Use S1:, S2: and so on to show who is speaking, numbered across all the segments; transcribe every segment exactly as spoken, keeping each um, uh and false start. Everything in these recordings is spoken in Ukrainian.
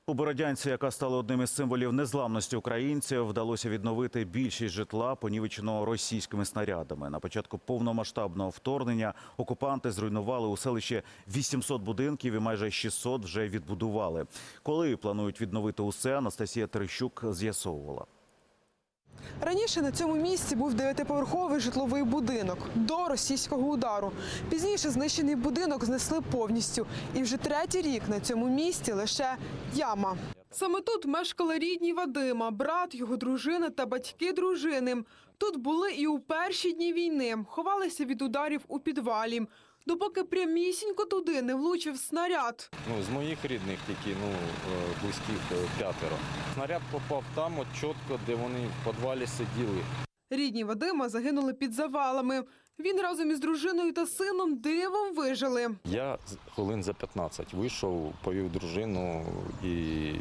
S1: У Бородянці, яка стала одним із символів незламності українців, вдалося відновити більшість житла, понівеченого російськими снарядами. На початку повномасштабного вторгнення окупанти зруйнували у селищі вісімсот будинків і майже шістсот вже відбудували. Коли планують відновити усе, Анастасія Терещук з'ясовувала.
S2: Раніше на цьому місці був дев'ятиповерховий житловий будинок до російського удару. Пізніше знищений будинок знесли повністю. І вже третій рік на цьому місці лише яма. Саме тут мешкали рідні Вадима, брат, його дружина та батьки дружини. Тут були і у перші дні війни, ховалися від ударів у підвалі. Допоки прямісінько туди не влучив снаряд.
S3: Ну, з моїх рідних тільки, ну, близьких п'ятеро. Снаряд попав там, от чітко, де вони в підвалі сиділи.
S2: Рідні Вадима загинули під завалами. Він разом із дружиною та сином дивом вижили.
S3: Я хвилин за п'ятнадцять вийшов, повів дружину і,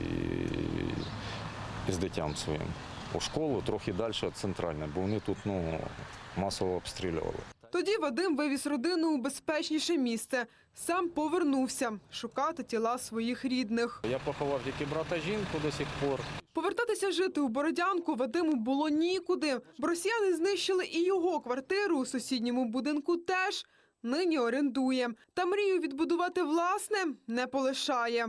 S3: і з дитям своїм у школу, трохи далі центральне, бо вони тут, ну, масово обстрілювали.
S2: Тоді Вадим вивіз родину у безпечніше місце. Сам повернувся шукати тіла своїх рідних.
S3: Я поховав тільки брата жінку до сих пор.
S2: Повертатися жити у Бородянку Вадиму було нікуди. Бо росіяни знищили і його квартиру у сусідньому будинку теж. Нині орендує. Та мрію відбудувати власне не полишає.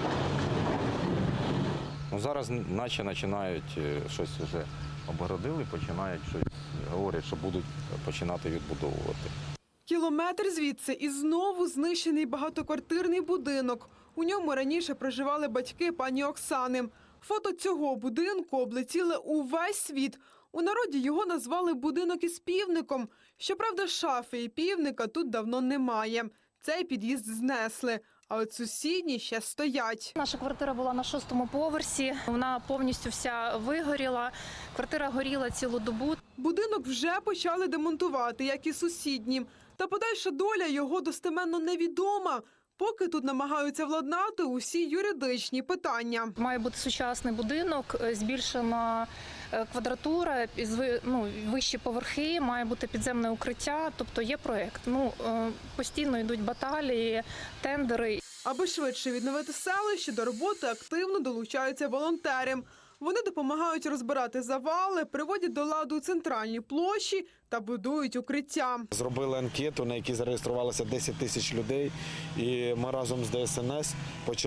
S3: Ну, зараз наче починають щось вже обгородили, починають щось, говорять, що будуть починати відбудовувати.
S2: Кілометр звідси і знову знищений багатоквартирний будинок. У ньому раніше проживали батьки пані Оксани. Фото цього будинку облетіли увесь світ. У народі його назвали «будинок із півником». Щоправда, шафи і півника тут давно немає. Цей під'їзд знесли, а от сусідні ще стоять.
S4: Наша квартира була на шостому поверсі, вона повністю вся вигоріла. Квартира горіла цілу добу.
S2: Будинок вже почали демонтувати, як і сусідні. Та подальша доля його достеменно невідома, поки тут намагаються владнати усі юридичні питання.
S4: Має бути сучасний будинок, збільшена квадратура, ну, вищі поверхи, має бути підземне укриття, тобто є проєкт. Ну, постійно йдуть баталії, тендери.
S2: Аби швидше відновити селище, до роботи активно долучаються волонтери. Вони допомагають розбирати завали, приводять до ладу центральні площі та будують укриття.
S5: Зробили анкету, на якій зареєструвалося десять тисяч людей, і ми разом з Де Ес Ен Ес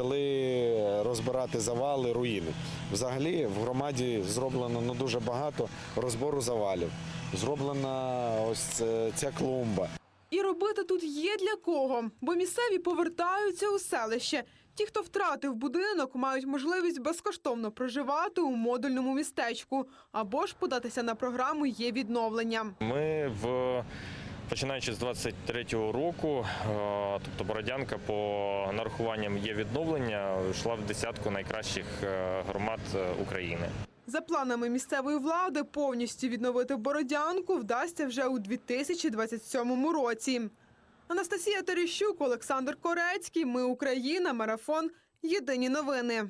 S5: почали розбирати завали, руїни. Взагалі в громаді зроблено ну, дуже багато розбору завалів. Зроблена ось ця клумба.
S2: І робити тут є для кого, бо місцеві повертаються у селище. Ті, хто втратив будинок, мають можливість безкоштовно проживати у модульному містечку або ж податися на програму «Є відновлення».
S6: Ми, в, починаючи з двадцять третього року, тобто Бородянка по нарахуванням «Є відновлення» йшла в десятку найкращих громад України.
S2: За планами місцевої влади повністю відновити Бородянку вдасться вже у дві тисячі двадцять сьомому році. Анастасія Терещук, Олександр Корецький. Ми Україна. Марафон. Єдині новини.